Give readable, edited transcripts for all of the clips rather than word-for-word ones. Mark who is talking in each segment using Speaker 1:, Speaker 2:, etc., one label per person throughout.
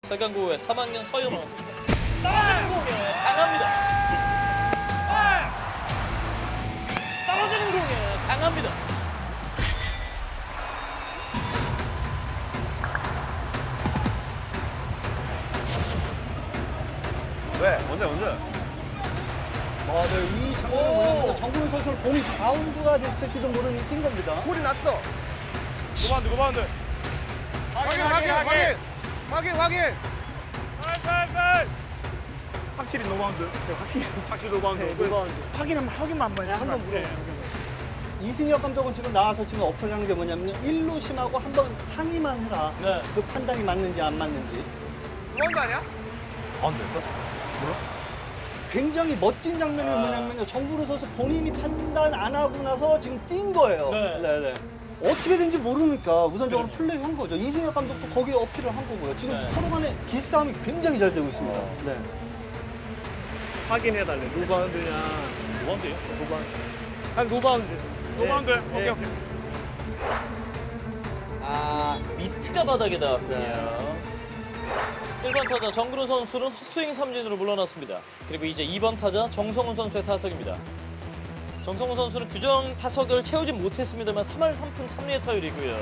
Speaker 1: 세강고의 3학년 서윤호. 떨어지는 공에 강합니다. 떨어지는 공에 강합니다.
Speaker 2: 왜? 언제?
Speaker 3: 네, 이 장면을 보면 정근우 선수는 공이 바운드가 됐을지도 모르는 뛴 겁니다.
Speaker 2: 소리 났어.
Speaker 4: 노바운드, 노바운드.
Speaker 2: 확인.
Speaker 4: 빨. 확실히 노바운드. 네, 확실히 노바운드.
Speaker 3: 노바운드.
Speaker 4: 확인만 한번 해주시면
Speaker 3: 한번 물어보세요. 이승엽 감독은 지금 나와서 지금 어필하는 게 뭐냐면 1루심하고 한번 상의만 해라.
Speaker 1: 네.
Speaker 3: 그 판단이 맞는지 안 맞는지.
Speaker 2: 노바운드 아니야?
Speaker 4: 바운드였어?
Speaker 3: 굉장히 멋진 장면이 뭐냐면요. 정근우 선수 본인이 판단 안 하고 나서 지금 뛴 거예요.
Speaker 1: 네.
Speaker 3: 어떻게 된지 모르니까 우선적으로 플레이한 거죠. 이승엽 감독도 거기에 어필을 한 거고요. 지금
Speaker 1: 네.
Speaker 3: 서로 간에 기싸움이 굉장히 잘 되고 있습니다. 네.
Speaker 4: 확인해달래. 노바운드냐.
Speaker 1: 노바운드요?
Speaker 4: 노바운드. 아니, 노바운드. 노바운드.
Speaker 1: 네.
Speaker 4: 오케이.
Speaker 1: 미트가 바닥에 닿았군요. 1번 타자 정근우 선수는 헛스윙 삼진으로 물러났습니다. 그리고 이제 2번 타자 정성훈 선수의 타석입니다. 정성훈 선수는 규정 타석을 채우지 못했습니다만 3할 3푼 3리의 타율이고요.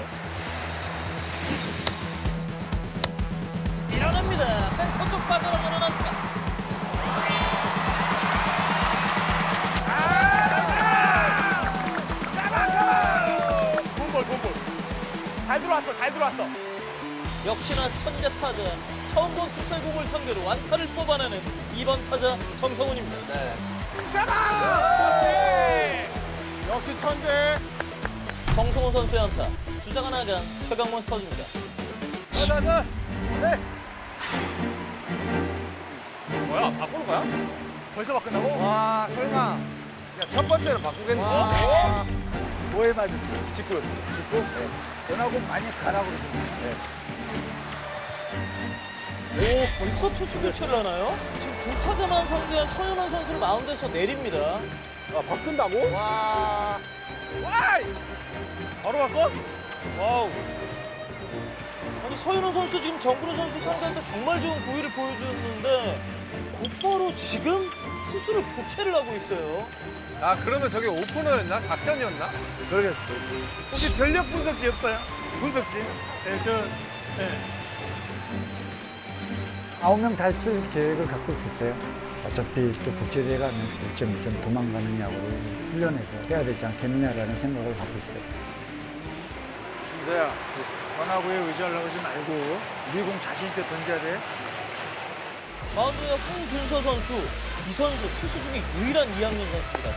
Speaker 1: 밀어냅니다. 센터 쪽 빠져나가는 안타.
Speaker 4: 돈볼. 잘 들어왔어.
Speaker 1: 역시나 천재 타자 처음 본 투수의 공을 상대로 완타를 뽑아내는 2번 타자 정성훈입니다.
Speaker 4: 역시 천재.
Speaker 1: 정성훈 선수의 안타. 주자가 나간 최강문 스타즈입니다.
Speaker 4: 뭐야? 바꾸는 거야?
Speaker 2: 벌써 바꾼다고? 와, 설마. 야, 첫 번째는 바꾸겠네.
Speaker 5: 뭐에 맞았어요? 직구였어요. 직구? 네. 전하고 많이 가라고 그러셨는데.
Speaker 1: 오, 벌써 투수 교체를 하나요? 지금 두 타자만 상대한 서현원 선수를 마운드에서 내립니다.
Speaker 3: 바꾼다고?
Speaker 2: 와.
Speaker 4: 바로 바꿔?
Speaker 1: 와우. 아니 서현원 선수도 지금 정근우 선수 상대할 때 정말 좋은 구위를 보여줬는데 곧바로 지금 투수를 교체를 하고 있어요.
Speaker 6: 아 그러면 저게 오프너였나? 작전이었나?
Speaker 2: 그러겠어.
Speaker 4: 혹시 전력 분석지 없어요? 분석지? 네, 네.
Speaker 5: 9명 다 쓸 계획을 갖고 있었어요. 어차피 또 국제대회 가면 1점 1점 도망가는 야구를 훈련해서 해야 되지 않겠느냐라는 생각을 갖고 있어요.
Speaker 4: 준서야, 원하고에 의지하려고 하지 말고 우리 공 자신 있게 던져야 돼.
Speaker 1: 마운드에 홍준서 선수. 이 선수 투수 중에 유일한 2학년 선수입니다.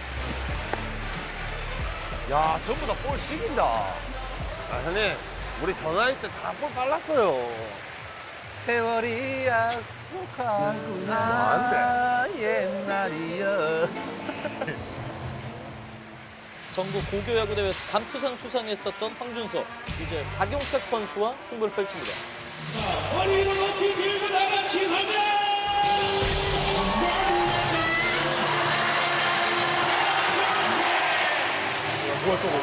Speaker 2: 야, 전부 다 볼 식인다. 아, 형님. 우리 전화할 때 다 볼 빨랐어요.
Speaker 6: 세월이 약속하구나
Speaker 2: 안
Speaker 6: 옛날이여.
Speaker 1: 전국 고교야구대회에서 감투상 수상했었던 황준서. 이제 박용택 선수와 승부를 펼칩니다.
Speaker 7: 머리를 높이 들고 나간 지선배!
Speaker 4: 뭐야, 저거.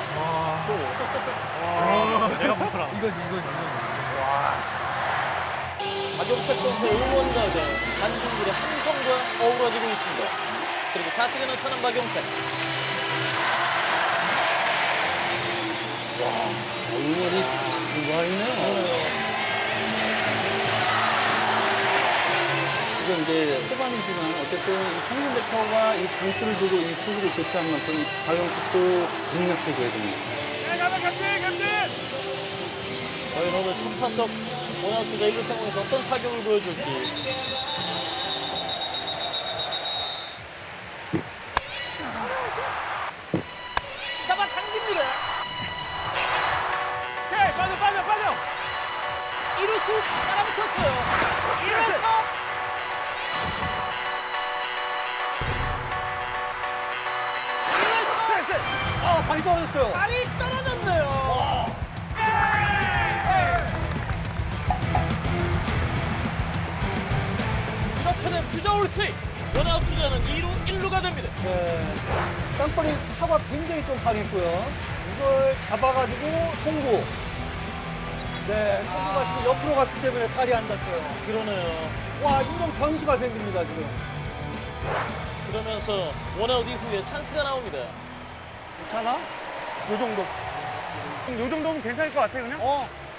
Speaker 4: 내가 못하라.
Speaker 1: 박용택 선수의 응원가가 한중들의 함성과 어우러지고 있습니다. 그리고 타석에 나타난 박용택.
Speaker 3: 얼굴이 장관이네요. 지금 이제 초반이지만 어쨌든 이 청년대표가 이 강수를 두고 이 투수를 교체한 만큼 이 박용택도 능력해줘야 됩니다.
Speaker 4: 가면 캡틴!
Speaker 1: 과연 오늘 첫 타석 원아웃 주자 1루 상황에서 어떤 타격을 보여줄지. 잡아당깁니다.
Speaker 4: 오케이, 빠져!
Speaker 1: 1루수 따라붙었어요. 1루에서
Speaker 3: 발이 떨어졌어요.
Speaker 1: 발이 떨어졌네요. 이렇게 되면 주자 올스윙. 원아웃 주자는 2루 1루가 됩니다.
Speaker 3: 네. 땅볼이 타가 굉장히 좀 강했고요. 이걸 잡아가지고 송구. 네, 선수가 지금 옆으로 갔기 때문에 다리 안 닿았어요.
Speaker 1: 그러네요.
Speaker 3: 와, 이런 변수가 생깁니다, 지금.
Speaker 1: 그러면서 원아웃 이후에 찬스가 나옵니다.
Speaker 3: 괜찮아? 요 정도.
Speaker 4: 요 정도면 괜찮을 것 같아 그냥.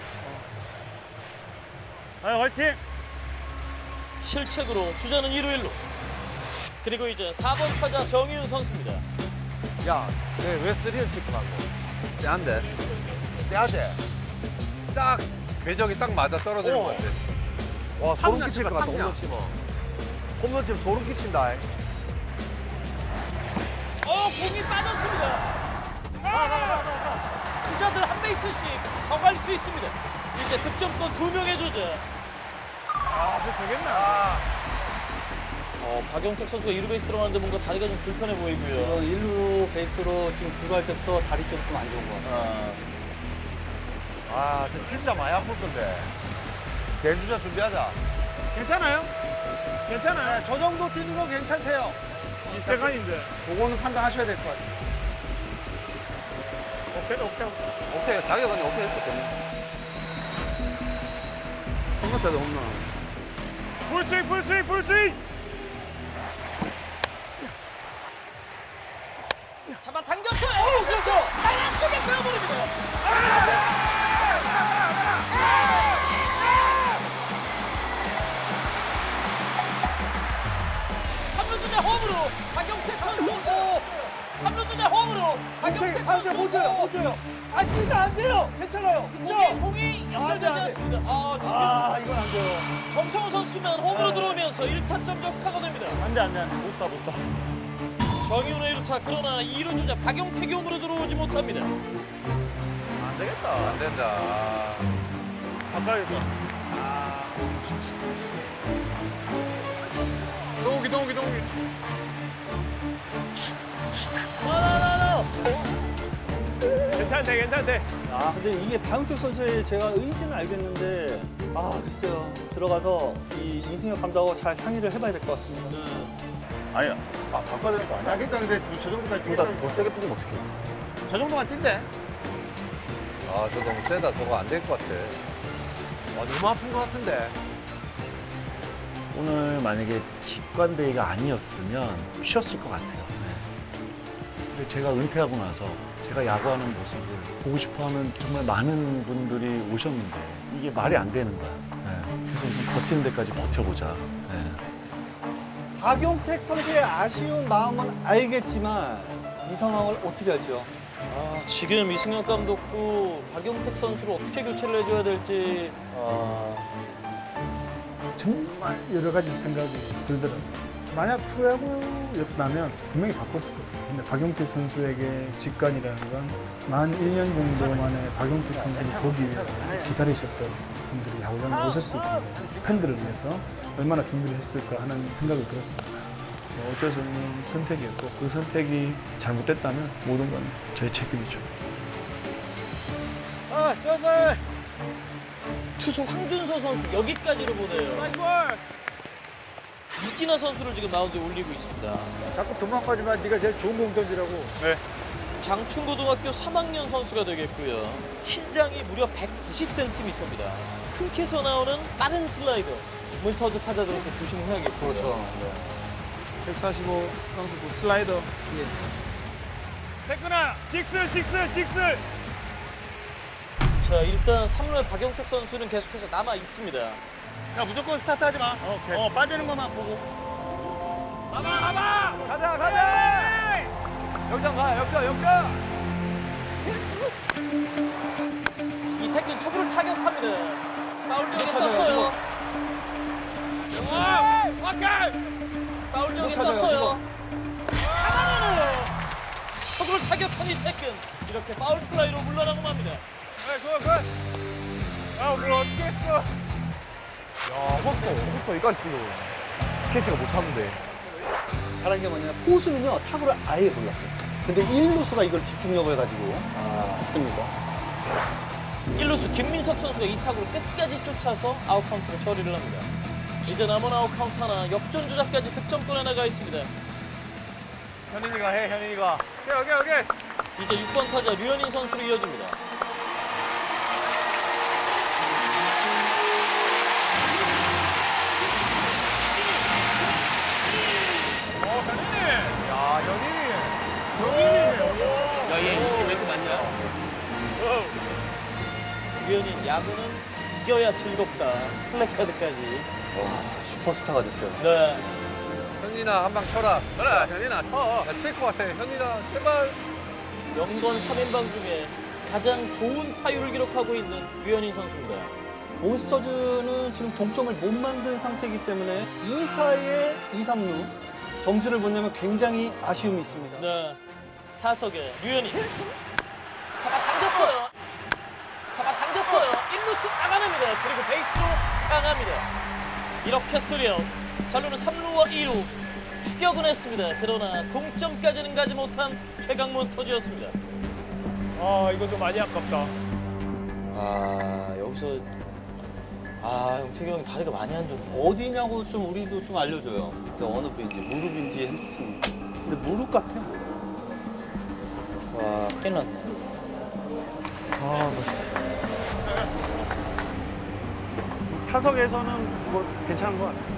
Speaker 4: 아, 화이팅.
Speaker 1: 실책으로 주자는 2루 1루. 그리고 이제 4번 타자 정희윤 선수입니다.
Speaker 2: 야, 왜 3를 칠 거라고? 세한데? 세하대.
Speaker 6: 딱 궤적이 딱 맞아 떨어지는 것 같아.
Speaker 2: 와, 소름 끼칠 것 같다, 홈런 치면. 홈런 치면 소름 끼친다.
Speaker 1: 공이 빠졌습니다. 주자들 한 베이스씩 더 갈 수 있습니다. 이제 득점권 2명의 주자.
Speaker 4: 저 되겠나?
Speaker 1: 박영택 선수가 2루 베이스 들어가는데 뭔가 다리가 좀 불편해 보이고요.
Speaker 3: 1루 베이스로 지금 주루할 때부터 다리 쪽이 좀 안 좋은 것 같아요.
Speaker 2: 저 진짜 많이 아플 건데. 대주자 준비하자.
Speaker 4: 괜찮아요? 괜찮아요.
Speaker 3: 저 정도 뛰는 거 괜찮대요.
Speaker 4: 이 세간인데.
Speaker 3: 그거는 판단하셔야 될 것 같아요.
Speaker 4: 오케이.
Speaker 2: 오케이, 자기가 그냥 오케이 했었거든. 홈런 쳐야 돼, 홈런.
Speaker 4: 풀스윙.
Speaker 1: 잡아 당겼어요. 그렇죠. 땅 쪽에 빼어버립니다. 삼루주자 홈으로 박영택 선수. 3루주자 홈으로 박영택 선수.
Speaker 3: 못 돼요. 아, 뛰면 안 돼요. 괜찮아요.
Speaker 1: 공이 연결되지
Speaker 3: 안 돼.
Speaker 1: 않습니다. 지금
Speaker 3: 이건 안 돼요.
Speaker 1: 정성우 선수만 홈으로 들어오면서 1타점 적타가 됩니다.
Speaker 4: 안 돼. 못 다.
Speaker 1: 정윤의 1루타 그러나 2루 주자 박영택이 홈으로 들어오지 못합니다.
Speaker 2: 안 되겠다.
Speaker 6: 안 된다.
Speaker 4: 바꿔야겠다. 동욱이. 괜찮대.
Speaker 3: 근데 이게 박영택 선수의 제가 의지는 알겠는데, 글쎄요. 들어가서 이 이승엽 감독하고 잘 상의를 해봐야 될 것 같습니다.
Speaker 8: 아니야. 바꿔야 되는 거 아니야? 그러니까 근데 저 정도까지 뛰다 더 세게 뛰면 어떡해? 저 정도만 뛴대.
Speaker 6: 저 너무 세다. 저거 안 될 것 같아.
Speaker 2: 너무 아픈 것 같은데.
Speaker 9: 오늘 만약에 직관대회가 아니었으면 쉬었을 것 같아요. 네. 근데 제가 은퇴하고 나서 제가 야구하는 모습을 보고 싶어하는 정말 많은 분들이 오셨는데 이게 말이 안 되는 거야. 네. 그래서 우선 버티는 데까지 버텨보자. 네.
Speaker 3: 박용택 선수의 아쉬운 마음은 알겠지만 이 상황을 어떻게 할지요?
Speaker 1: 지금 이승엽 감독도 박영택 선수를 어떻게 교체를 해줘야 될지
Speaker 4: 정말 여러 가지 생각이 들더라고요. 만약 프로야구였다면 분명히 바꿨을 거예요. 근데 박용택 선수에게 직관이라는 건 만 1년 정도 만에 박용택 선수를 보기 위해서 기다리셨던 분들이 야구장에 오셨을 텐데 팬들을 위해서 얼마나 준비를 했을까 하는 생각이 들었습니다. 어쩔 수 없는 선택이었고 그 선택이 잘못됐다면 모든 건 저의 책임이죠.
Speaker 1: 투수 황준서 선수 여기까지로 보내요. 이진아 선수를 지금 마운드에 올리고 있습니다.
Speaker 8: 자꾸 도망가지만 네가 제일 좋은 공 던지라고. 네.
Speaker 1: 장충고등학교 3학년 선수가 되겠고요. 신장이 무려 190cm입니다. 큰 키에서 나오는 빠른 슬라이더. 몬스터즈 타자들한테 조심해야겠고.
Speaker 2: 그렇죠.
Speaker 4: 145 선수 슬라이더. 태근아, 직슬.
Speaker 1: 자, 일단 3루의 박영택 선수는 계속해서 남아 있습니다.
Speaker 4: 야, 무조건 스타트 하지 마. 오케이. 빠지는 것만 보고. 가자. 역전 가.
Speaker 1: 이태근 초구를 타격합니다. 파울 지역에 떴어요. 파울 지역에 떴어요. 잡아내는 초구를 타격한 이태근. 이렇게 파울 플라이로 물러나고 맙니다.
Speaker 8: 뭘 어떻게 했어?
Speaker 2: 야, 포스터 여기까지 뛰고. 캐치가 못 찼는데.
Speaker 3: 잘한 게 뭐냐면 포수는요 타구를 아예 몰랐어요. 근데 1루수가 이걸 집중력을 가지고 했습니다.
Speaker 1: 1루수 김민석 선수가 이 타구를 끝까지 쫓아서 아웃 카운트로 처리를 합니다. 이제 남은 아웃 카운트 하나, 역전 주자까지 득점권에 나가 있습니다.
Speaker 4: 현인이가 해. 오케이.
Speaker 1: 이제 6번 타자 류현인 선수로 이어집니다. 류현인 야구는 이겨야 즐겁다. 플래카드까지.
Speaker 3: 와, 슈퍼스타가 됐어요.
Speaker 1: 네.
Speaker 6: 현인아 한 방 쳐라.
Speaker 2: 그래, 현인아, 쳐.
Speaker 6: 칠 것 같아. 현인아 제발.
Speaker 1: 연건 3인방 중에 가장 좋은 타율을 기록하고 있는 류현인 선수입니다.
Speaker 3: 몬스터즈는 지금 동점을 못 만든 상태이기 때문에 2사의 2, 3루 점수를 못 내면 굉장히 아쉬움이 있습니다.
Speaker 1: 네. 타석에 류현인. 잡아당겼어요. 잡아당겼어요. 1루수 나가냅니다. 그리고 베이스로 향합니다. 이렇게 3아웃. 잘루는 3루와 2루. 추격은 했습니다. 그러나 동점까지는 가지 못한 최강 몬스터즈였습니다.
Speaker 2: 아, 이거 좀 많이 아깝다.
Speaker 1: 아, 여기서 영택이 형이 다리가 많이 안 좋네.
Speaker 3: 어디냐고 좀 우리도 좀 알려줘요. 어느 부위인지, 무릎인지 햄스트링인지. 근데 무릎 같아.
Speaker 1: 와, 큰일 났네.
Speaker 4: 타석에서는 뭐 괜찮은 것 같아요.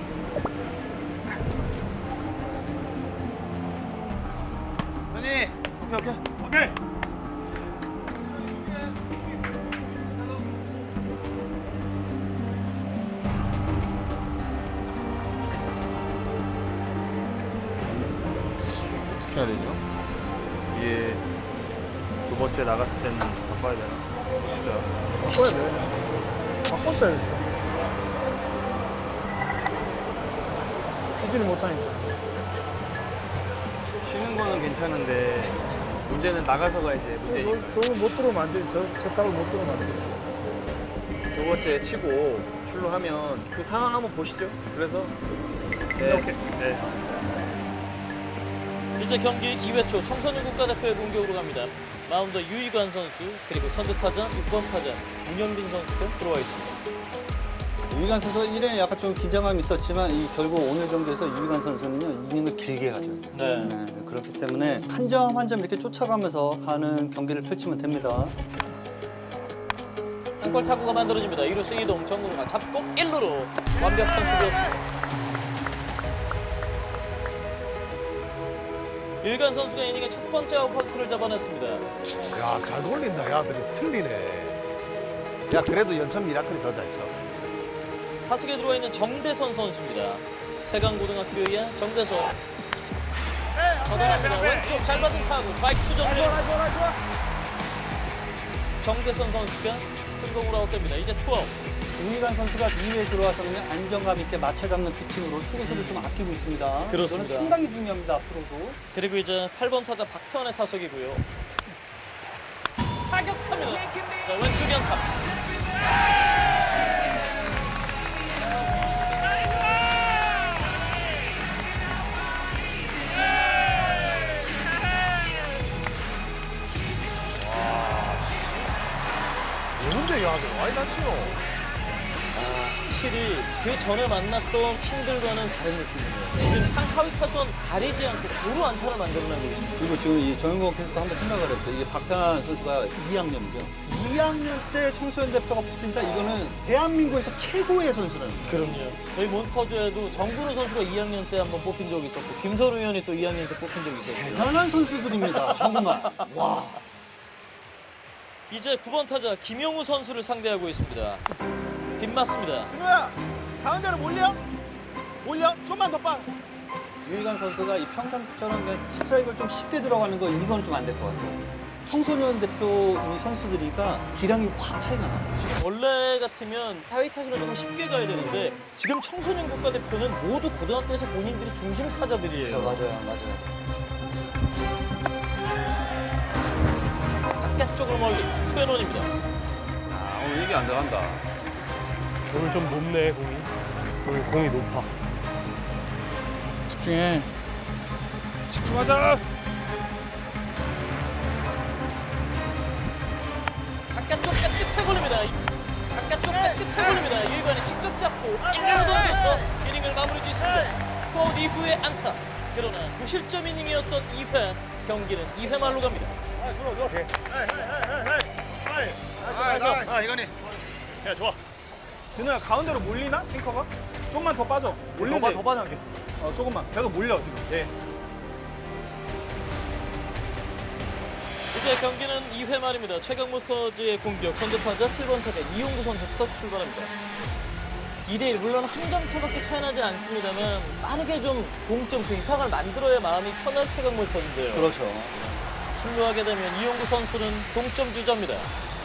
Speaker 2: 현이, 오케이.
Speaker 4: 오케이.
Speaker 8: 어떻게 해야 되죠? 이게 두 번째 나갔을 때는 바꿔야 되나? 진짜.
Speaker 4: 바꿔야 돼. 바꿨어야 됐어. 꾸준히 못하니까.
Speaker 2: 쉬는 거는 괜찮은데 문제는 나가서가 이제 문제니까.
Speaker 4: 저걸 못 들어오면 안 되지. 저 탑을 못 들어오면 안 돼.
Speaker 2: 두 번째 치고 출루하면 그 상황 한번 보시죠. 그래서 네.
Speaker 4: 오케이.
Speaker 2: 네.
Speaker 1: 이제 경기 2회 초 청소년 국가대표의 공격으로 갑니다. 마운드 유희관 선수 그리고 선두타자 6번 타자 문현빈 선수도 들어와 있습니다.
Speaker 3: 유희관 선수가 1회에 약간 좀 긴장감이 있었지만 결국 오늘 경기에서 유희관 선수는요 이닝을 길게 가죠.
Speaker 1: 네.
Speaker 3: 그렇기 때문에 한 점 한 점 이렇게 쫓아가면서 가는 경기를 펼치면 됩니다.
Speaker 1: 한 골 타구가 만들어집니다. 2루수 이동 정구가 잡고 1루로 완벽한 수비였습니다. 유희관 선수가 이닝의 첫 번째 아웃카운트를 잡아냈습니다.
Speaker 2: 야, 잘 돌린다. 야들이 틀리네. 야, 그래도 연천 미라클이 더 잘 쳐.
Speaker 1: 타석에 들어와 있는 정대선 선수입니다. 세강고등학교의 정대선. 걷어냅니다. 왼쪽 잘 받은 타구 좌익수 정면. 정대선 선수가 큰 공으로 아웃됩니다. 이제 투아웃.
Speaker 3: 유희관 선수가 2회에 들어와서는 안정감 있게 맞춰 잡는 피칭으로 투구수를 좀 아끼고 있습니다.
Speaker 1: 그렇습니다.
Speaker 3: 이거는 상당히 중요합니다. 앞으로도.
Speaker 1: 그리고 이제 8번 타자 박태환의 타석이고요. 타격합니다. 자, 왼쪽 연타.
Speaker 2: 뭔데 야들 많이 다치노?
Speaker 1: 확실히 그 전에 만났던 팀들과는 다른 느낌이에요. 지금 상하위 타선 가리지 않고 도로 안타를 만들어내고 있습니다.
Speaker 3: 그리고 지금 이 정영권 캐스터 한번 생각을 해보세요. 이게 박태환 선수가 2학년이죠. 2학년 때 청소년 대표가 뽑힌다. 이거는 대한민국에서 최고의 선수라는 거예요.
Speaker 1: 그럼요. 저희 몬스터즈에도 정근우 선수가 2학년 때 한번 뽑힌 적이 있었고 김서루 의원이 또 2학년 때 뽑힌 적이 있었고
Speaker 3: 대단한 선수들입니다. 정말. 와.
Speaker 1: 이제 9번 타자 김용우 선수를 상대하고 있습니다. 빗맞습니다.
Speaker 2: 준호야, 가운데로 몰려? 몰려? 좀만 더 빠.
Speaker 3: 유희관 선수가 이 평상시처럼 그냥 스트라이크를 좀 쉽게 들어가는 거 이건 좀 안 될 것 같아요. 청소년 대표 이 선수들이가 기량이 확 차이가 나요.
Speaker 1: 지금 원래 같으면 하위 타선을 조금 쉽게 가야 되는데 지금 청소년 국가대표는 모두 고등학교에서 본인들이 중심 타자들이에요.
Speaker 3: 맞아요.
Speaker 1: 바깥쪽으로 멀리 투앤원입니다.
Speaker 2: 오늘 이게 안 들어간다.
Speaker 10: 오늘 좀 높네 공이. 오늘 공이 높아.
Speaker 4: 집중해. 집중하자.
Speaker 1: 바깥쪽 끝에 걸립니다. 바깥쪽 끝에 걸립니다. 유희관이 직접 잡고 1루로 던져서 이닝을 마무리 짓습니다. 투아웃 이후의 안타. 그러나 무실점 이닝이었던 2회 경기는 2회 말로 갑니다.
Speaker 2: 이거니.
Speaker 10: 야 좋아.
Speaker 4: 준호야 가운데로 몰리나? 싱커가? 좀만 더 빠져. 몰리지?
Speaker 10: 더 빠져나겠습니다.
Speaker 4: 조금만. 계속 몰려 지금.
Speaker 10: 네.
Speaker 1: 이제 경기는 2회 말입니다. 최강 몬스터즈의 공격 선두타자 7번 타자 이용구 선수부터 출발합니다. 2대1 물론 한 점 차밖에 차이 나지 않습니다만 빠르게 좀 동점 그 이상을 만들어야 마음이 편한 최강 몬스터인데요.
Speaker 3: 그렇죠.
Speaker 1: 출루하게 되면 이용구 선수는 동점 주자입니다.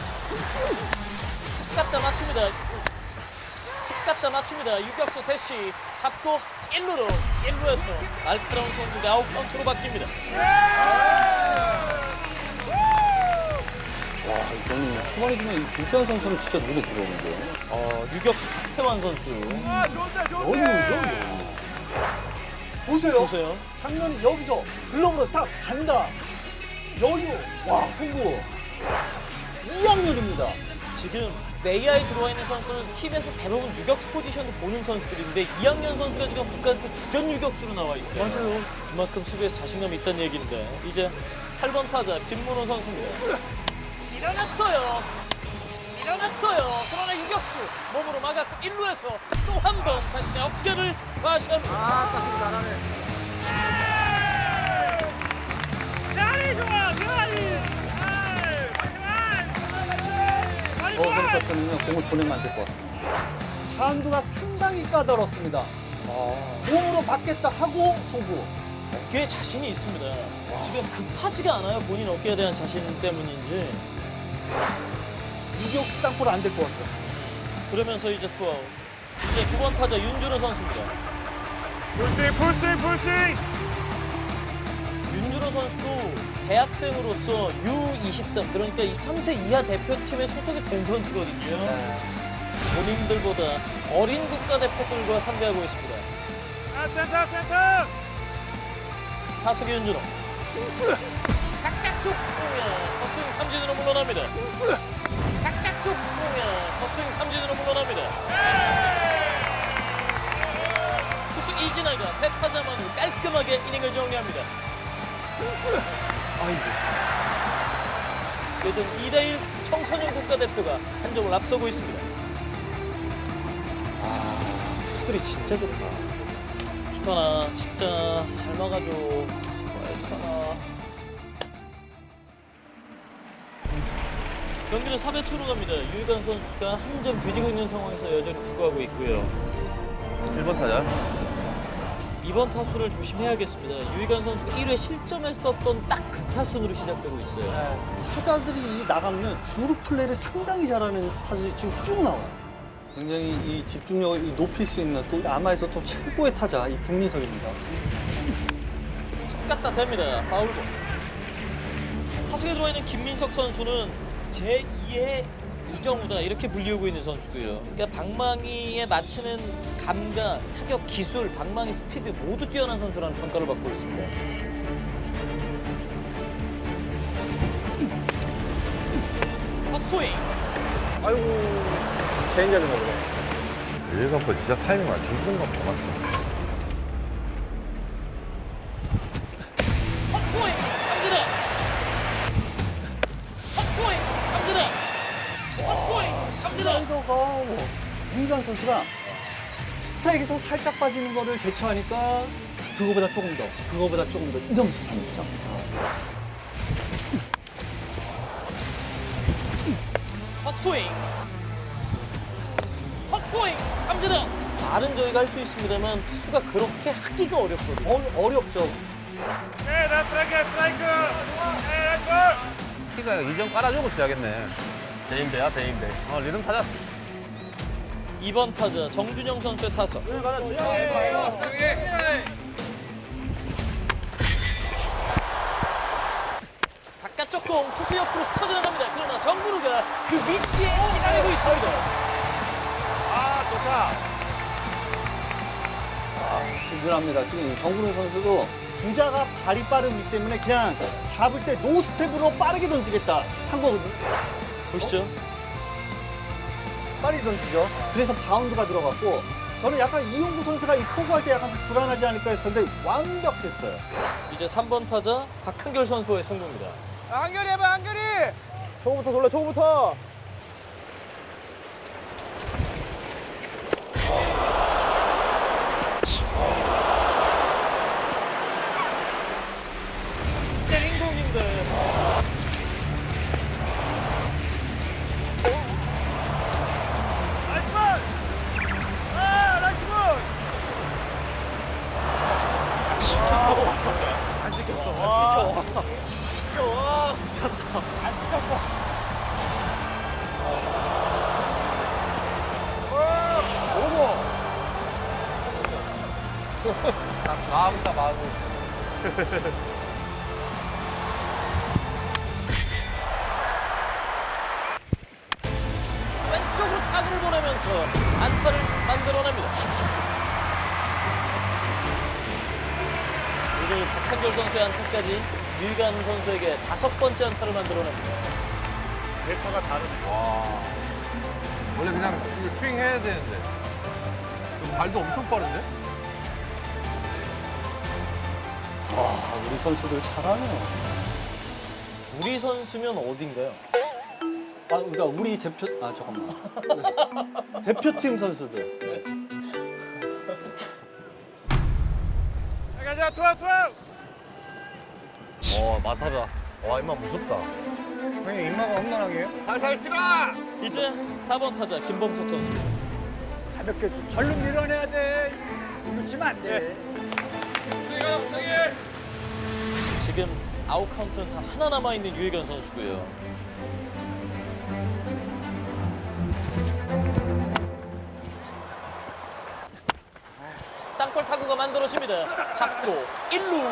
Speaker 1: 툭 갖다 맞춥니다. 툭 갖다 맞춥니다. 유격수 대시 잡고 1루에서 날카로운 송구가 아웃 카운트로 바뀝니다.
Speaker 3: 와, 저는 초반에 보면 이 김태환 선수는 진짜 눈에 들어오는데요.
Speaker 1: 유격수 박태환 선수.
Speaker 3: 여유죠. 보세요.
Speaker 1: 보세요.
Speaker 3: 장면이 여기서 글러브로 딱 간다. 여유. 와, 송구. 2학년입니다.
Speaker 1: 지금 내야에 들어와 있는 선수들은 팀에서 대부분 유격수 포지션을 보는 선수들인데 2학년 선수가 지금 국가대표 주전 유격수로 나와 있어요.
Speaker 3: 맞아요.
Speaker 1: 그만큼 수비에서 자신감이 있다는 얘기인데 이제 8번 타자 김문호 선수입니다. 일어났어요. 그러나 유격수 몸으로 막았고 1루에서 또 한 번 자신의 어깨를 과시합니다.
Speaker 8: 딱 잘하네.
Speaker 3: 저 선수 같으면 공을 보내면 안 될 것 같습니다. 타운드가 상당히 까다롭습니다. 공으로 맞겠다 하고 송구.
Speaker 1: 어깨에 자신이 있습니다. 지금 급하지가 않아요. 본인 어깨에 대한 자신 때문인지.
Speaker 3: 유격수 땅볼 안 될 것 같아요.
Speaker 1: 그러면서 이제 투아웃. 이제 9번 타자 윤준호 선수입니다.
Speaker 8: 풀스윙.
Speaker 1: 윤준호 선수도 대학생으로서 U23 그러니까 23세 이하 대표팀에 소속이 된 선수거든요. 본인들보다 어린 국가대표들과 상대하고 있습니다.
Speaker 8: 센터.
Speaker 1: 타석의 윤준호. 바깥쪽 공야 헛스윙 삼진으로 물러납니다. 바깥쪽 공야 헛스윙 삼진으로 물러납니다. 투수 이진아가 세 타자만으로 깔끔하게 이닝을 정리합니다. 요즘 2대1 청소년 국가대표가 한 점을 앞서고 있습니다. 투수들이 진짜 좋다. 희만아 진짜 잘 막아줘. 희만아. 경기는 3회 초로 갑니다. 유희관 선수가 한 점 뒤지고 있는 상황에서 여전히 투구하고 있고요.
Speaker 2: 1번 타자.
Speaker 1: 2번 타순을 조심해야겠습니다. 유희관 선수가 1회 실점했었던 딱 그 타순으로 시작되고 있어요.
Speaker 3: 타자들이 나가면 주루 플레이를 상당히 잘하는 타자들이 지금 쭉 나와요. 굉장히 이 집중력을 높일 수 있는 또 아마에서 또 최고의 타자 이 김민석입니다.
Speaker 1: 툭 갖다 댑니다. 파울볼. 타석에 들어와 있는 김민석 선수는 제2의 이정우다 이렇게 불리우고 있는 선수고요. 그러니까 방망이에 맞추는 감각, 타격 기술, 방망이 스피드 모두 뛰어난 선수라는 평가를 받고 있습니다. 헛스윙.
Speaker 8: 체인지하는 거보다.
Speaker 6: 유희관 거 진짜 타이밍 맞추기 힘든 건 뭐 맞지?
Speaker 1: 헛스윙 삼진아. 헛스윙 삼진아. 헛스윙 삼진아.
Speaker 3: 슬라이더가 유희관 선수가 스트라이크에서 살짝 빠지는 거를 대처하니까 그거보다 조금 더 이러면서 3점.
Speaker 1: 헛스윙 삼진아. 말은 저희가 할 수 있습니다만 투수가 그렇게 하기가 어렵거든요.
Speaker 3: 어렵죠.
Speaker 2: 키가 2점 깔아주고 시작했네. 대인배야, 대인배. 리듬 찾았어.
Speaker 1: 2번 타자 정준영 선수의 타석. 바깥쪽 공 투수 옆으로 스쳐 지나갑니다. 그러나 정근우가 그 위치에 기다리고 있습니다.
Speaker 3: 든든합니다. 지금 정근우 선수도 주자가 발이 빠르기 때문에 그냥 잡을 때 노스텝으로 빠르게 던지겠다 한 거거든요.
Speaker 1: 보시죠.
Speaker 3: 빨리 던지죠. 그래서 바운드가 들어갔고 저는 약간 이용구 선수가 이 포구할 때 약간 좀 불안하지 않을까 했었는데 완벽했어요.
Speaker 1: 이제 3번 타자 박한결 선수의 승부입니다.
Speaker 8: 한결이 해봐, 한결이. 초구부터 돌려, 초구부터.
Speaker 1: 때린 공인데
Speaker 2: 찍혔어. 와. 찍혀. 와. 미쳤다. 안 찍혔어.
Speaker 6: 오고. 마구다 마구.
Speaker 1: 왼쪽으로 타구를 보내면서 안타를 만들어냅니다. 오늘 박한결 선수의 안타까지 류희관 선수에게 5번째 안타를 만들어냅니다.
Speaker 2: 대처가 다르네.
Speaker 6: 와. 원래 그냥 이거 스윙 해야 되는데. 발도 엄청 빠른데?
Speaker 3: 우리 선수들 잘하네요.
Speaker 1: 우리 선수면 어딘가요?
Speaker 3: 그러니까 우리 대표 잠깐만. 대표팀 선수들. 네.
Speaker 2: 가자, 투아웃.
Speaker 8: 맡아자. 와, 임마 무섭다. 형님, 임마가 험난하게 해요?
Speaker 2: 살살 치라.
Speaker 1: 이제 4번 타자 김범석 선수입니다.
Speaker 5: 가볍게 절로 밀어내야 돼. 놓치면 안 돼.
Speaker 1: 지금 아웃 카운트는 단 하나 남아있는 유희관 선수고요. 땅볼 타구가 만들어집니다. 잡고 1루.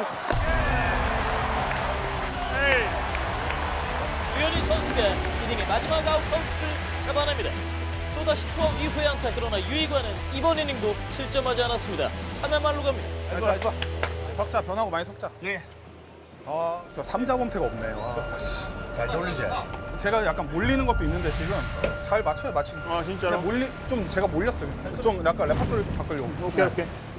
Speaker 1: 유현희 선수가 이닝의 마지막 아웃 카운트를 잡아냅니다. 또다시 투아웃 이후의 안타. 그러나 유희관은 이번 이닝도 실점하지 않았습니다. 3회 말로 갑니다.
Speaker 4: 알았어. 석자 변하고 많이 석자. 예. 아, 3자 범퇴가 없네요. 아, 씨.
Speaker 8: 잘 돌리지?
Speaker 4: 제가 약간 몰리는 것도 있는데 지금 잘 맞춰요, 맞추는.
Speaker 2: 아, 진짜로?
Speaker 4: 제가 몰렸어요. 좀 약간 레퍼토리를 좀 바꾸려고.
Speaker 2: 오케이.